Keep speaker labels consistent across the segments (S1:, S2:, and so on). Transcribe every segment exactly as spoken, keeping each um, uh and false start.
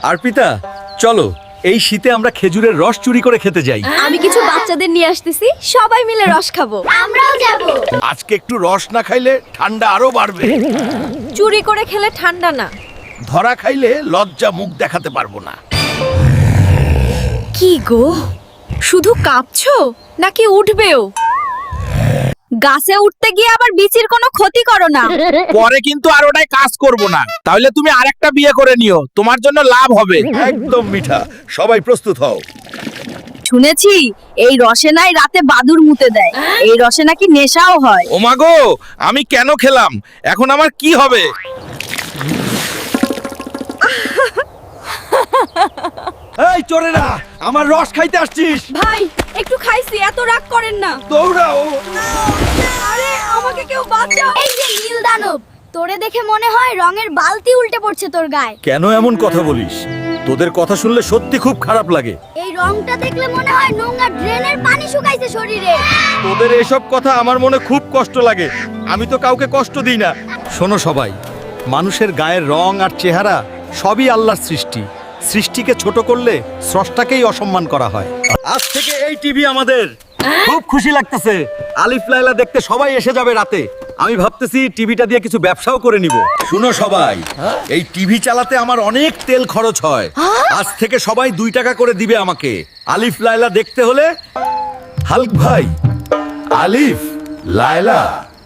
S1: আরপিতা চলো এই শীতে আমরা খেজুরের রস চুরি করে খেতে যাই।
S2: আমি কিছু বাচ্চাদের নিয়ে আসতেছি, সবাই মিলে রস খাবো।
S3: আমরাও যাব।
S4: আজকে একটু রস না খাইলে ঠান্ডা আরো বাড়বে।
S2: চুরি করে খেলে ঠান্ডা না,
S4: ধরা খাইলে লজ্জা মুখ দেখাতে পারবো না।
S2: কি গো শুধু কাঁপছো নাকি উঠবেও? গাছে উঠতে গিয়ে আবার বিচির কোনো ক্ষতি করো না।
S5: পরে কিন্তু আর ওটাই কাজ করব না, তাহলে তুমি আরেকটা বিয়ে করে নিও, তোমার জন্য লাভ হবে।
S4: একদম মিঠা, সবাই প্রস্তুত হও।
S2: শুনেছি এই রসে নাই রাতে বাদুর মুতে দেয়, এই রসে নাকি নেশাও হয়।
S5: ও মা গো, আমি কেন খেলাম? এখন আমার কি হবে?
S1: এই চোরেরা, আমার রস খাইতে আসছিস?
S2: ভাই একটু খাইছি, এত রাগ করেন না।
S1: দৌড়াও।
S2: আরে আমাকে কেউ বাঁচাও।
S3: এই যে নীল দানব, তোরে দেখে মনে হয় রঙের বালতি উল্টে পড়ছে তোর গায়ে।
S1: কেন এমন কথা বলিস? তোদের কথা শুনলে সত্যি খুব খারাপ লাগে।
S3: এই রংটা দেখলে মনে হয় নোংরা ড্রেনের পানি শুকাইছে শরীরে।
S1: তোদের এসব কথা আমার মনে খুব কষ্ট লাগে। আমি তো কাউকে কষ্ট দিই না। শোনো সবাই, মানুষের গায়ের রং আর চেহারা সবই আল্লাহর সৃষ্টি। সৃষ্টিকে ছোট করলে স্রষ্টাকেই অসম্মান করা হয়। আজ থেকে এই টিভি আমাদের। খুব খুশি লাগতেছে। আলিফ লায়লা দেখতে সবাই এসে যাবে রাতে। আমি ভাবতেছি টিভিটা দিয়ে কিছু ব্যবসাও করে নিব।
S4: শুনো সবাই, এই টিভি চালাতে আমার অনেক তেল খরচ হয়।
S1: আজ থেকে সবাই দুই টাকা করে দিবে আমাকে। আলিফ লায়লা দেখতে হলে
S4: হাল্ক ভাই, আলিফ লায়লা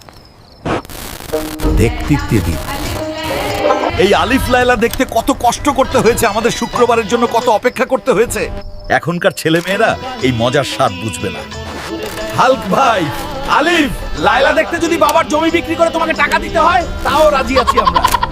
S4: দেখতে দিন।
S1: এই আলিফ লায়লা দেখতে কত কষ্ট করতে হয়েছে, আমাদের শুক্রবারের জন্য কত অপেক্ষা করতে হয়েছে। এখনকার ছেলে মেয়েরা এই মজার স্বাদ বুঝবে না।
S5: হাল্ক ভাই, আলিফ লায়লা দেখতে যদি বাবার জমি বিক্রি করে তোমাকে টাকা দিতে হয়, তাও রাজি আছি আমরা।